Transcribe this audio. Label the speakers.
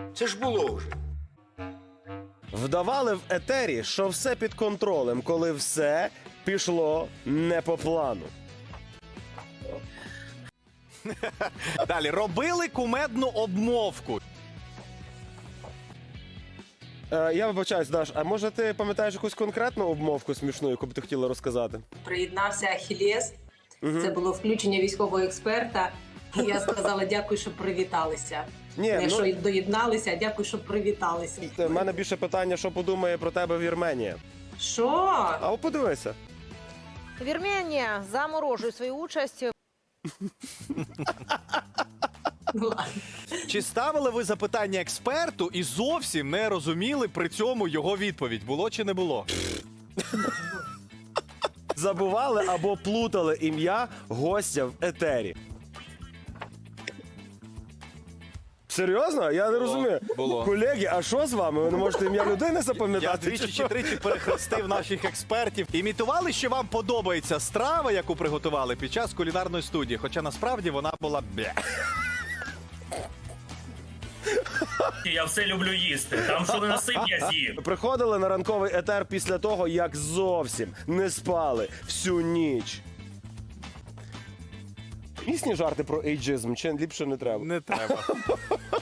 Speaker 1: Це ж було вже.
Speaker 2: Вдавали в етері, що все під контролем, коли все пішло не по плану.
Speaker 3: Далі, робили кумедну обмовку.
Speaker 2: Я вибачаюсь, Даш, а може ти пам'ятаєш якусь конкретну обмовку смішну, яку б ти хотіла розказати?
Speaker 4: Приєднався Ахілєс. Це було включення військового експерта. І я сказала дякую, що привіталися.
Speaker 2: Ні,
Speaker 4: Не
Speaker 2: ну-
Speaker 4: що доєдналися, а дякую, що привіталися.
Speaker 2: У мене більше питання, що подумає про тебе Вірменія.
Speaker 4: Що?
Speaker 2: А от подивися.
Speaker 5: Вірменія заморожує свою участь.
Speaker 4: Ну, ладно.
Speaker 3: Чи ставили ви запитання експерту і зовсім не розуміли при цьому його відповідь? Було чи не було?
Speaker 2: Забували або плутали ім'я гостя в етері. Серйозно? Я не розумію.
Speaker 3: було.
Speaker 2: Колеги, а що з вами? Ви не можете ім'я людини
Speaker 3: Я
Speaker 2: запам'ятати?
Speaker 3: двічі чи тричі перехрестив наших експертів. Імітували, що вам подобається страва, яку приготували під час кулінарної студії, хоча насправді вона була бля.
Speaker 6: Я все люблю їсти. Там що не насип, я з'їм.
Speaker 2: Приходили на ранковий етер після того, як зовсім не спали всю ніч. Місні жарти про ейджизм, чи ліпше не треба?
Speaker 3: Не треба.